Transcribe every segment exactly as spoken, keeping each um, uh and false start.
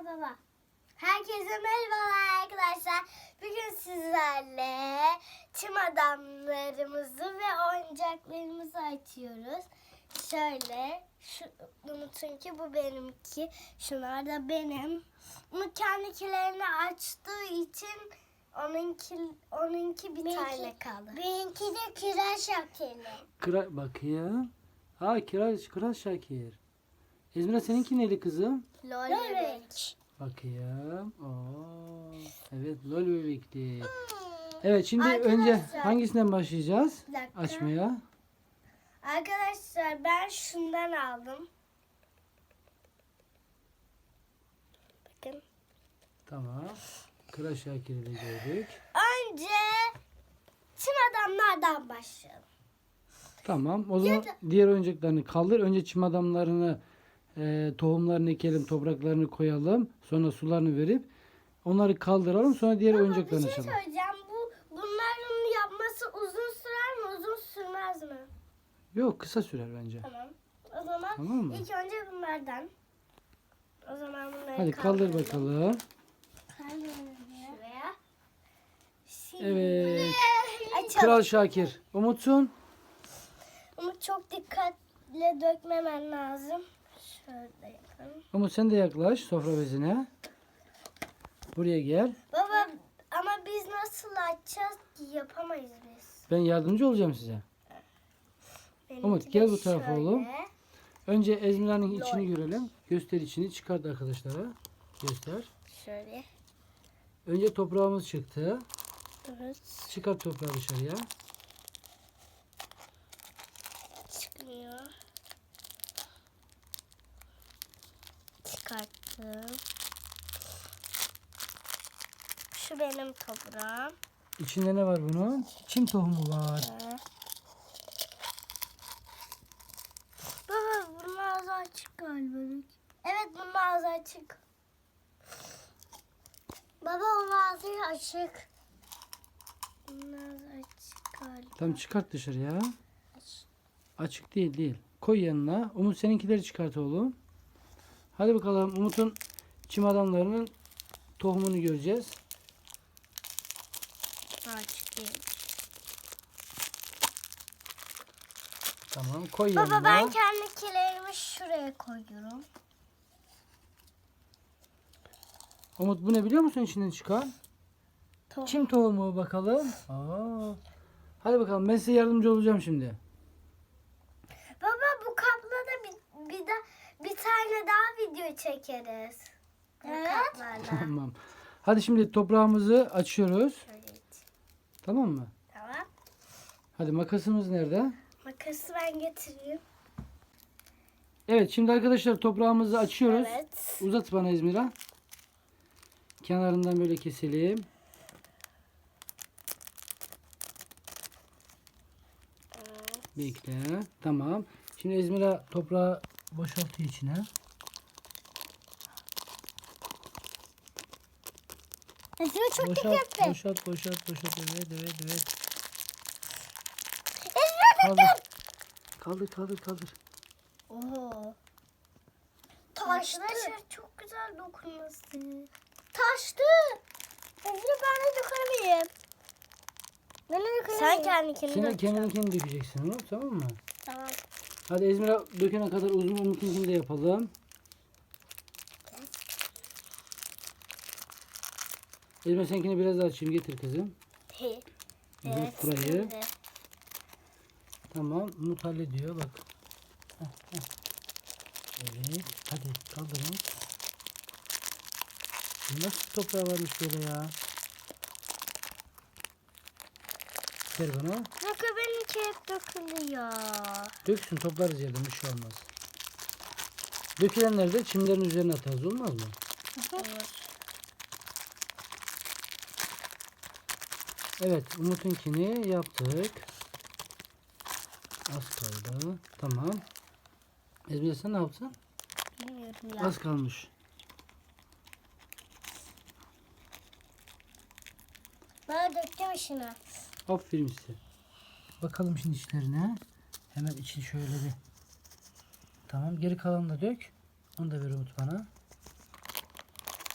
baba. Herkese merhabalar arkadaşlar. Bugün sizlerle çim adamlarımızı ve oyuncaklarımızı açıyoruz. Şöyle, şu Umut'un ki bu benimki. Şunlar da benim. Umut kendikilerini açtığı için onunki, onunki bir Benimki- tane kaldı. Benimki de kiraz şakeli. Kıra bakayım. Ha kiraz, kiraz Şakir. Ezmira seninki neydi kızım? Lol Bebek. bebek. Bakayım. Oo. Evet lol bebekti. Evet şimdi Arkadaşlar- önce hangisinden başlayacağız? Bir dakika. Açmaya. Arkadaşlar ben şundan aldım. Bakın. Tamam. Kiraz Şakir'i de gördük. Önce çim adamlardan başlayalım. Tamam. O zaman diğer oyuncaklarını kaldır. Önce çim adamlarını e, tohumlarını ekelim, topraklarını koyalım. Sonra sularını verip onları kaldıralım. Sonra diğer Ama bir oyuncaklarını şey açalım. söyleyeceğim. Bu, bunların yapması uzun sürer mi? Uzun sürmez mi? Yok kısa sürer bence. Tamam. O zaman Tamam mı? ilk önce bunlardan. O zaman bunları Hadi kaldır kaldıralım. bakalım. Şuraya. Şimdi Evet. açalım. Kral Şakir. Umutsun. Umut çok dikkatle dökmemen lazım. Şöyle yapalım. Umut sen de yaklaş sofra bezine. Buraya gel. Baba ama biz nasıl açacağız ki yapamayız biz. Ben yardımcı olacağım size. Benimki Umut, de gel bu tarafa şöyle. oğlum. Önce Ezmira'nın Lol. içini görelim. Göster içini. Çıkart arkadaşlara. Göster. Şöyle. Önce toprağımız çıktı. Evet. Çıkart toprağı dışarıya. Çıkmıyor. Çıkarttım. Şu benim toprağım. İçinde ne var bunun? Çim tohumu var. Ee. Baba bunun ağzı açık galiba. Evet bunun ağzı açık. Baba onun ağzı açık. Bunun ağzı açık galiba. Tamam çıkart dışarıya. Açık değil değil. Koy yanına. Umut seninkileri çıkart oğlum. Hadi bakalım Umut'un çim adamlarının tohumunu göreceğiz. Açık değil. Tamam koy Baba yanına. ben kendikilerimi şuraya koyuyorum. Umut bu ne biliyor musun içinden çıkan? Tohum. Çim tohumu bakalım. Aa. Hadi bakalım ben size yardımcı olacağım şimdi. Baba bu kapla da bir, bir, da, bir tane daha video çekeriz. Bu Evet. kaplarla. Tamam. Hadi şimdi toprağımızı açıyoruz. Şöyle it. Tamam mı? Tamam. Hadi makasımız nerede? Makası ben getireyim. Evet şimdi arkadaşlar toprağımızı açıyoruz. Evet. Uzat bana İzmir'a. Kenarından böyle keselim. Bekle. Tamam. Şimdi İzmir'a toprağı boşaltıyor içine. Ezra çok Boşalt, dikkatli. boşalt, boşalt, boşalt. Evet, evet, evet. Ezra Kaldır. Kaldır, kaldır, kaldır. Oo. taştı. Arkadaşlar çok güzel dokunması. Taştı. Ezra ben de dökemedim. Ben de dökemedim. Sen kendikini Sen dök. kendininkini dökeceksin oğlum, tamam mı? Tamam. Hadi İzmir'a dökene kadar uzun Umut'unkini de yapalım. İzmir seninkini biraz daha açayım. Getir kızım. He. Evet, Evet. burayı. şimdi. Tamam. Umut hallediyor bak. Heh, heh. Evet. Hadi kaldır Umut. Nasıl toprağı varmış böyle ya? Ver bana. Bakın benimki hep dökülüyor. Döksün toplarız yerden bir şey olmaz. Dökülenleri de çimlerin üzerine atarız olmaz mı? Olur. Evet Umut'unkini yaptık. Az kaldı. Tamam. Ezmir sen ne yaptın? Bilmiyorum ya. Az kalmış. Ben döktüm işine. Aferin size. Bakalım şimdi içlerine. Hemen içi şöyle bir. Tamam geri kalanını da dök. Onu da ver Umut bana.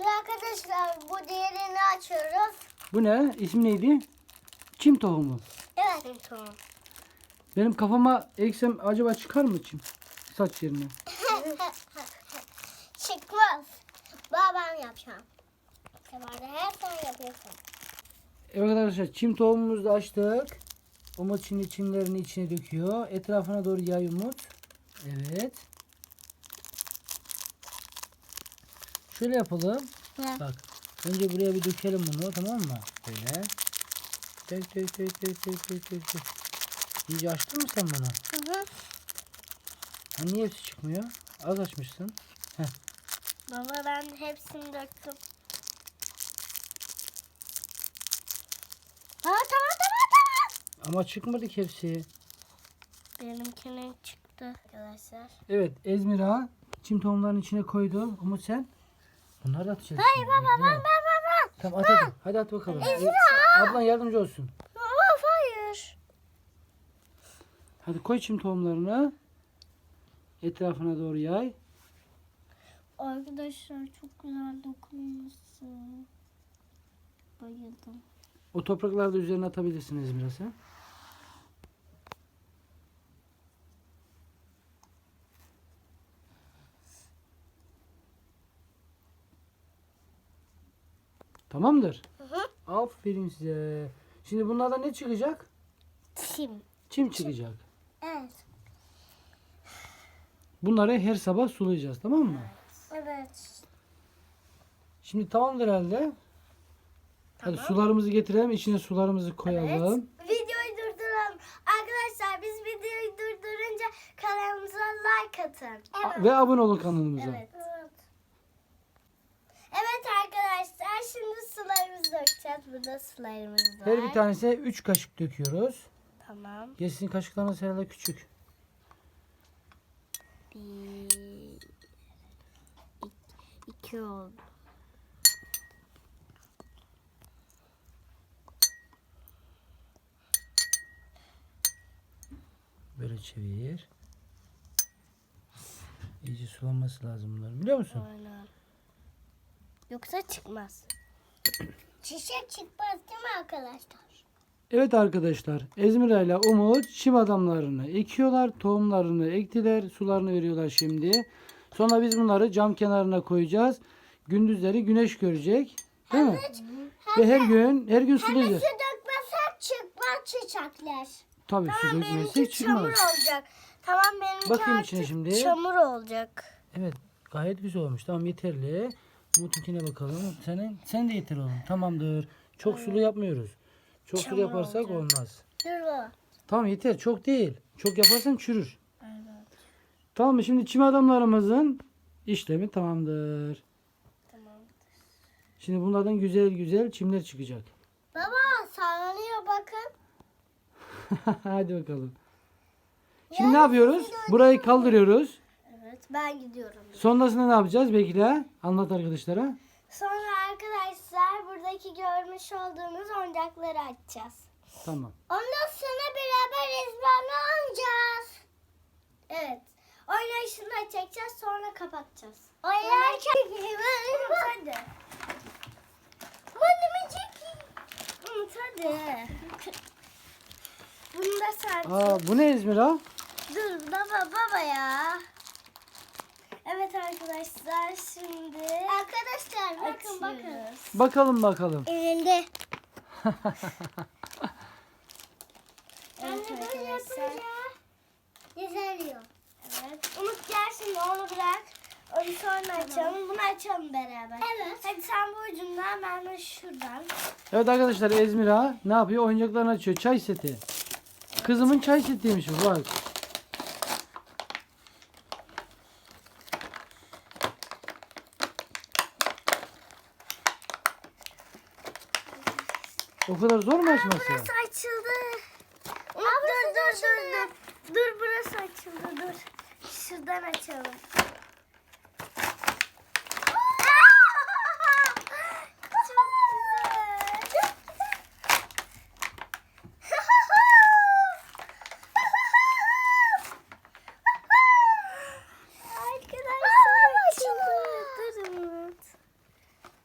Şimdi arkadaşlar bu diğerini açıyoruz. Bu ne? İsmi neydi? Çim tohumu. Evet. Tamam. Benim kafama eksem acaba çıkar mı çim? Saç yerine. Çıkmaz. Babam yapacağım. Kemal'de her sen yapıyorsun. Evet arkadaşlar, çim tohumumuzu da açtık. Umut şimdi çimlerini içine döküyor. Etrafına doğru yay Umut. Evet. Şöyle yapalım. Ne? Bak. Önce buraya bir dökelim bunu, tamam mı? Böyle. Dök dök dök dök dök dök dök. dök. İyice açtın mı sen bunu? Hı hı. Ha, niye hepsi çıkmıyor? Az açmışsın. Heh. Baba ben hepsini döktüm. Aa, tamam tamam tamam. Ama çıkmadı ki hepsi. Benimkinin çıktı arkadaşlar. Evet, Ezmira çim tohumlarının içine koydu. Umut sen? Bunları da atacağız. Hayır şimdi, baba bekle. ben ben ben ben. Tamam at hadi. Hadi at bakalım. Ezra! Ablan yardımcı olsun. Baba hayır. Hadi koy çim tohumlarını. Etrafına doğru yay. Arkadaşlar çok güzel dokunmuşsun. Bayıldım. O toprakları da üzerine atabilirsiniz Ezmira sen. Tamamdır. Hı hı. Aferin size. Şimdi bunlardan ne çıkacak? Çim. Çim çıkacak. Evet. Bunları her sabah sulayacağız, tamam mı? Evet. Şimdi tamamdır herhalde. Hadi sularımızı getirelim. İçine sularımızı koyalım. Videoyu durduralım. Arkadaşlar biz videoyu durdurunca kanalımıza like atın. A- Ve abone olun kanalımıza. Evet. Evet arkadaşlar şimdi sularımızı dökeceğiz. Burada sularımız var. Her bir tanesine üç kaşık döküyoruz. Tamam. Gerçi kaşıklarınız herhalde küçük. Bir, iki, iki oldu. Böyle çevir. İyice sulanması lazım bunların, biliyor musun? Aynen. Yoksa çıkmaz. Çiçek çıkmaz değil mi arkadaşlar? Evet arkadaşlar, Ezmira ile Umut çim adamlarını ekiyorlar. Tohumlarını ektiler. Sularını veriyorlar şimdi. Sonra biz bunları cam kenarına koyacağız. Gündüzleri güneş görecek. Değil mi? Ve her gün her gün sulayacağız. Su dökmezsek çıkmaz çiçekler. Tabii su Tamam dökmezsek benimki çamur çıkmaz. olacak. Tamam benimki Bakayım artık içine şimdi. çamur olacak. Evet, gayet güzel olmuş. Tamam, yeterli. Umut'unkine bakalım. Senin sen de yeter oğlum. Tamamdır. Çok sulu yapmıyoruz. Çok sulu Çamur yaparsak olacak. olmaz. Dur baba. Tamam yeter. Çok değil. Çok yaparsan çürür. Evet. Tamam mı? Şimdi çim adamlarımızın işlemi tamamdır. Tamam. Şimdi bunlardan güzel güzel çimler çıkacak. Baba sallanıyor bakın. Hadi bakalım. Şimdi ne yapıyoruz? Burayı kaldırıyoruz. Evet ben gidiyorum. Sonrasında ne yapacağız? Bekle. Anlat arkadaşlara. Sonra arkadaşlar buradaki görmüş olduğunuz oyuncakları açacağız. Tamam. Ondan sonra beraber ezberini oynayacağız. Evet. Oynayışını çekeceğiz sonra kapatacağız. Oynarken Umut hadi. Bana çekeyim. Umut hadi. Bunu da sen. Aa, bu ne Ezmira? Dur baba baba ya. Evet arkadaşlar şimdi Arkadaşlar bakın bakın. açıyoruz. Bakalım bakalım. Elinde. Evet Anne böyle arkadaşlar. yapınca güzeliyor. Evet. Umut gel şimdi onu bırak. Onu sonra açalım. Bunu açalım beraber. Evet. Hadi sen bu ucundan ben de şuradan. Evet arkadaşlar, Ezmira ne yapıyor? Oyuncaklarını açıyor. Çay seti. Kızımın çay setiymiş bu, bak. O kadar zor mu açması? Burası açıldı. Umut dur dur dur dur. Dur burası açıldı dur. Şuradan açalım. Çok güzel. Arkadaşlar açıldı. Dur Umut.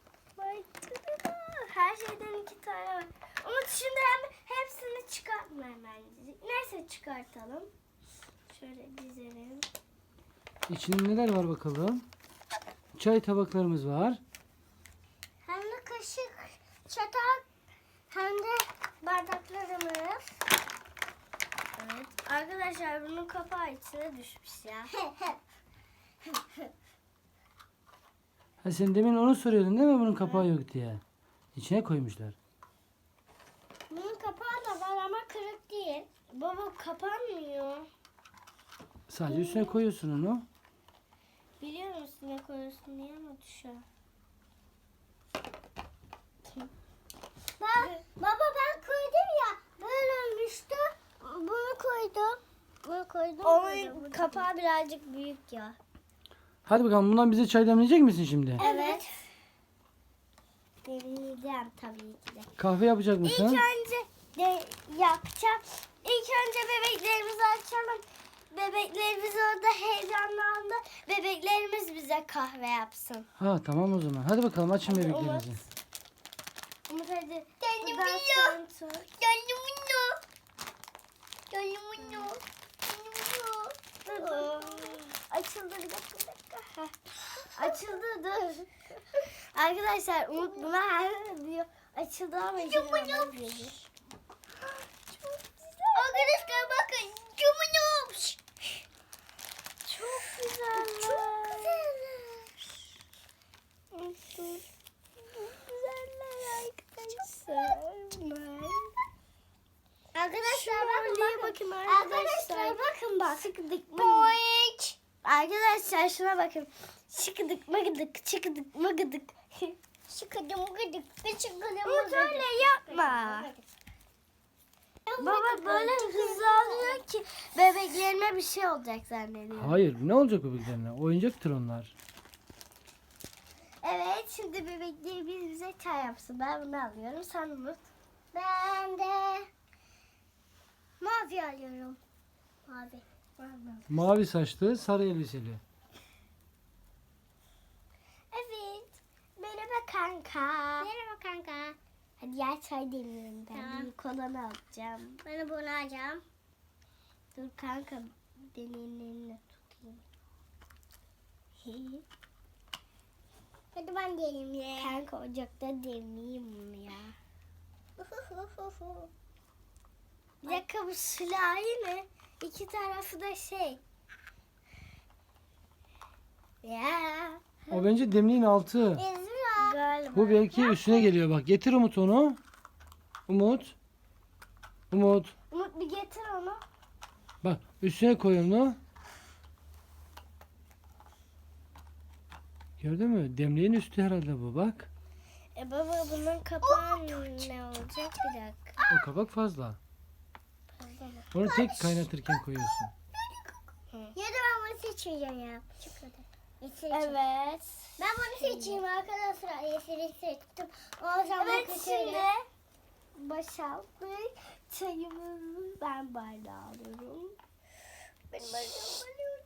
çıkartalım. Şöyle dizelim. İçinde neler var bakalım? Çay tabaklarımız var. Hem de kaşık, çatal, hem de bardaklarımız. Evet. Arkadaşlar bunun kapağı içine düşmüş ya. Ha, sen demin onu soruyordun değil mi bunun kapağı yok diye. İçine koymuşlar. Bunun kapağı da var ama kırık değil. Baba kapanmıyor. Sadece üstüne koyuyorsun onu. Biliyor musun ne koyuyorsun diye ama düşüyor. Ben, baba ben koydum ya. Böyle olmuştu. Bunu koydum. Bunu koydum. Onun kapağı birazcık büyük ya. Hadi bakalım bundan bize çay demleyecek misin şimdi? Evet. Deneyeceğim tabii ki de. Kahve yapacak İlk mısın? önce de yapacağım. İlk önce bebeklerimizi açalım. Bebeklerimiz orada heyecanlandı. Bebeklerimiz bize kahve yapsın. Ha tamam o zaman. Hadi bakalım açın Hadi bebeklerinizi. Umut hadi. Canım Buradan ya. sen tut. Canımını. Canımını. Dur, dur. Açıldı bir dakika bir dakika. Heh. Açıldı dur. Arkadaşlar Umut buna her diyor. Açıldı ama izin vermez diyor. Arkadaşlar bakın. Canımını. Çok güzel. Çok güzeller. Çok güzeller arkadaşlar. Arkadaşlar bakın bakın. Arkadaşlar bakın bak. Sıkıdık Boink. Arkadaşlar şuna bakın. Şıkıdık mıgıdık çıkıdık mıgıdık. Şıkıdım gıdık. Şıkıdım Umut öyle yapma. Baba böyle hızlı alıyor ki bebeklerime bir şey olacak zannediyorum. Hayır ne olacak bebeklerine? Oyuncaktır onlar. Evet şimdi bebeklerimiz bize çay yapsın. Ben bunu alıyorum. Sen Umut. Ben de mavi alıyorum. Mavi. Mavi. Mavi saçlı, sarı elbiseli. Evet. Merhaba kanka. Merhaba kanka. Hadi yer çay demliyorum ben. Tamam. Bir kolanı alacağım. Ben de bunu alacağım. Dur kanka benim elimle tutayım. Hadi ben diyelim ya. Kanka ocakta demleyeyim bunu ya. Bir dakika bu sülahi mi? İki tarafı da şey. Ya. O bence demliğin altı. Ezra. Galiba. Bu belki üstüne geliyor bak. Getir Umut onu. Umut. Umut. Umut bir getir onu. Bak üstüne koy onu. Gördün mü? Demliğin üstü herhalde bu bak. E baba bunun kapağı ne olacak? Bir dakika. O kabak fazla. Onu tek kaynatırken koyuyorsun. Ya da ben bunu seçeceğim ya. Çikolata. Yeşil evet. Evet. Ben bunu seçeyim arkadaşlar. Yeşili seçtim. O zaman Evet kötüyle. şimdi boşalttık. Çayımızı ben bardağı alıyorum. Ben bardağı alıyorum.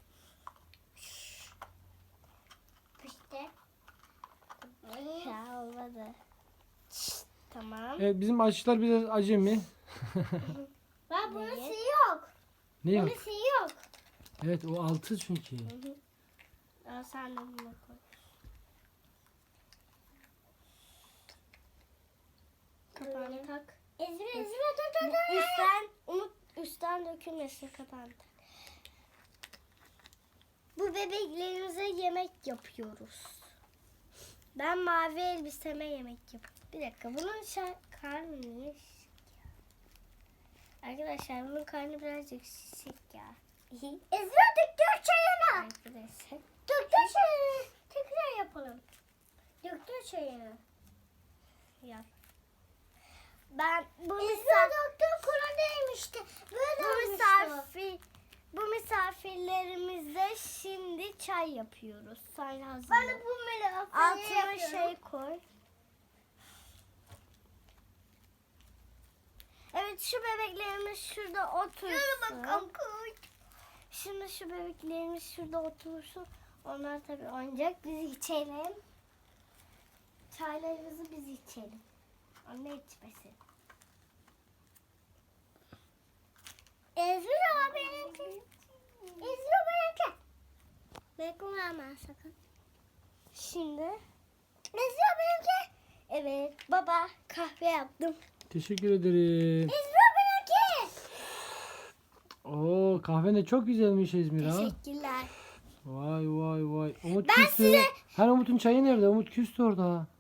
İşte. Ya olmadı. Tamam. Evet bizim aşçılar biraz acemi. Ben bunun Evet. suyu yok. Ne yok? Bunun suyu yok. Evet o altı çünkü. Aa, sen de bunu koy. Kapağını tak. Ezra Ezra dur dur dur. Üstten, Umut üstten dökülmesin kapağını tak. Bu bebeklerimize yemek yapıyoruz. Ben mavi elbiseme yemek yapıyorum. Bir dakika bunun şa- karnı niye şişik ya? Arkadaşlar bunun karnı birazcık şişik ya. Ezra döktür çayını. Arkadaşlar. Döktür çayını. Tekrar yapalım. Döktür çayını. Yap. Ben bu Ezra misafir, döktür kura değmişti. Böyle bu olmuştu. misafir, bu misafirlerimize şimdi çay yapıyoruz. Sen hazır. Ben de bu böyle Altına şey koy. Evet şu bebeklerimiz şurada otursun. Şimdi şu bebeklerimiz şurada otursun. Onlar tabii oynayacak. Biz içelim. Çaylarımızı biz içelim. Anne içmesin. Ezra Bekleme sakın. Şimdi Ezra benimki. evet baba kahve yaptım. Teşekkür ederim. Ezra benimki. Oo, kahven de çok güzelmiş İzmir ha. Teşekkürler. Vay vay vay. Umut Ben küstü. size- Hani Umut'un çayı nerede? Umut küstü orada.